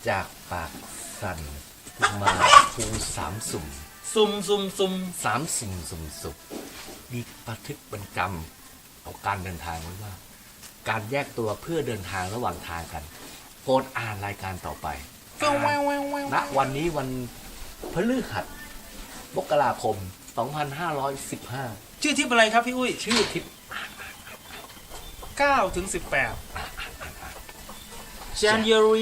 จากปากสั่นมาภูสามสุ่มซุ่มสามสุ่มสุ่มสุขมีบันทึกบันกรรมของการเดินทางไว้ว่า การแยกตัวเพื่อเดินทางระหว่างทางกันโปรดอ่านรายการต่อไปณวันนี้วันพฤหัสมกราคม 2515 ชื่อทริปอะไรครับพี่อุ้ยชื่อทริป 9 ถึง 18 January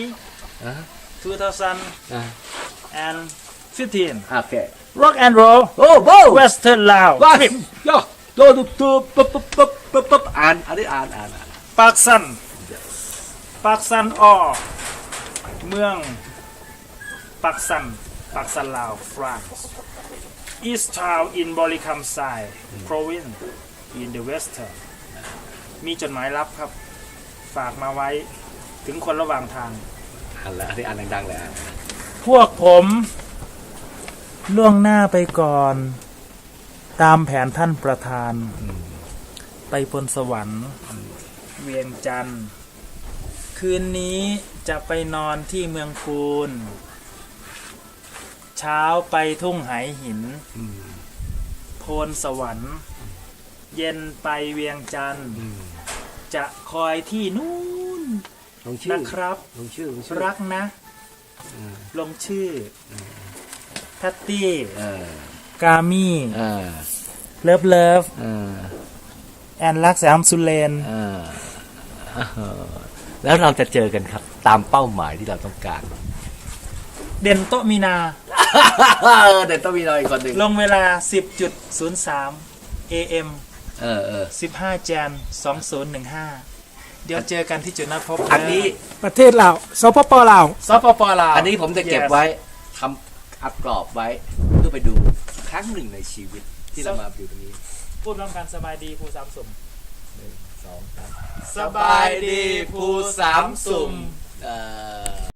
2015 โอเค Rock and Roll โอ้โห Western Lao ว้า Trip ย่อโดดตัวปั๊บอ่านปากซันออเมืองปากซันลาว France East Town in Borikamsai Province in the Western มีจดหมายลับครับ ฝากมาไว้ถึงคนระหว่างทางอ่านแล้วอ่านดังๆเลยพวกผมล่วงหน้าไปก่อน ตามแผนท่านประธาน ไปบนสวรรค์เวียงจันทร์คืนนี้จะไปนอนที่เมืองปูน เช้าไปทุ่งไหหินโพนสวรรค์ เย็นไปเวียงจันทร์จะคอยที่นู่นนะครับลงชื่อรักนะ ลงชื่อทัตตี้กามี่เลิฟแอนรักแสมสุเลนแล้วเราจะเจอกันครับตามเป้าหมายที่เราต้องการเด่นโตมีนาเด่นต้องมีเราอีกคนหนึ่งลงเวลา 10.03 AM 15 Jan 2015 เดี๋ยวเจอกันที่จุดนัดพบอันนี้ประเทศลาวสปปลาวสปปลาวอันนี้ผมจะเก็บไว้ทำอัดกรอบไว้เพื่อไปดูครั้งหนึ่งในชีวิตที่เรามาอยู่ตรงนี้พูดพร้อมกันสบายดีภูสามสุ่ม 1 2 3 สบายดีภูสามสุ่มเอ่อ